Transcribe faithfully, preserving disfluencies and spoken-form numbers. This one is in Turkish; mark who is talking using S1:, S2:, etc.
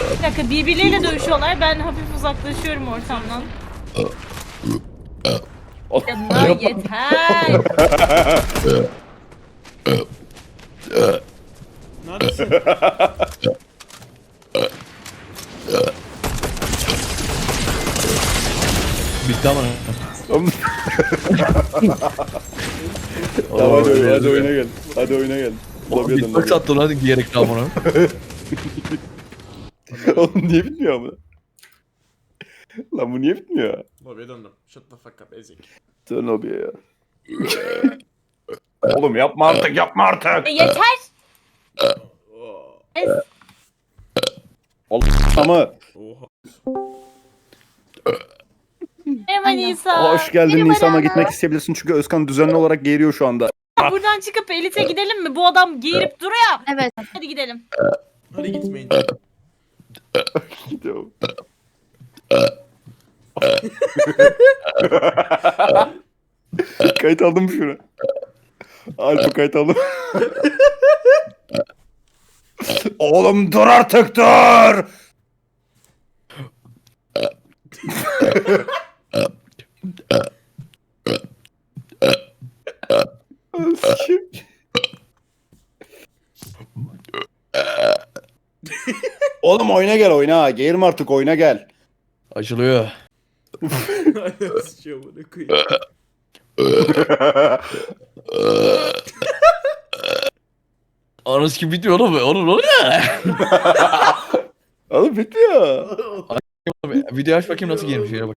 S1: Bir dakika, birbirleriyle dövüşüyorlar. Ben hafif uzaklaşıyorum ortamdan. Ya yeter.
S2: Neredesin?
S3: Bitti ama.
S4: Tamam hadi, oyna, hadi oyuna gel. Hadi oyuna gel. Lobiye dön,
S3: Bitmek
S4: lobiye.
S3: sattın hadi giyerek daha bunu.
S4: Oğlum niye bitmiyor ama? Lan bu niye bitmiyor?
S2: Lobiye döndüm. Shut the fuck up ezik.
S4: Dön lobiye ya. Oğlum yapma artık, yapma artık.
S1: E, yeter.
S2: Oh,
S4: Ama
S2: oha.
S1: Merhaba Nisa.
S4: hoş geldin
S1: Merhaba
S4: Nisan'a,
S1: Rana.
S4: gitmek isteyebilirsin çünkü Özkan düzenli olarak geğiriyor şu anda.
S1: Buradan çıkıp Elite gidelim mi? Bu adam geğirip duruyor.
S5: Evet.
S1: Hadi gidelim.
S2: Hadi gitmeyin.
S4: Gidiyorum. Kayıt aldım mı şunu? Alfa kayıt aldım. Oğlum dur artık, dur! Sikeyim. Oğlum oyuna gel, oyna. Geğirme artık, oyuna gel.
S3: Açılıyor.
S2: Aynen sıçıyor bunu koyayım.
S3: Anası gibi bitiyor oğlum. Oğlum ne oluyor?
S4: Oğlum bitmiyor.
S3: Video aç bakayım nasıl giymiş. Şöyle bak.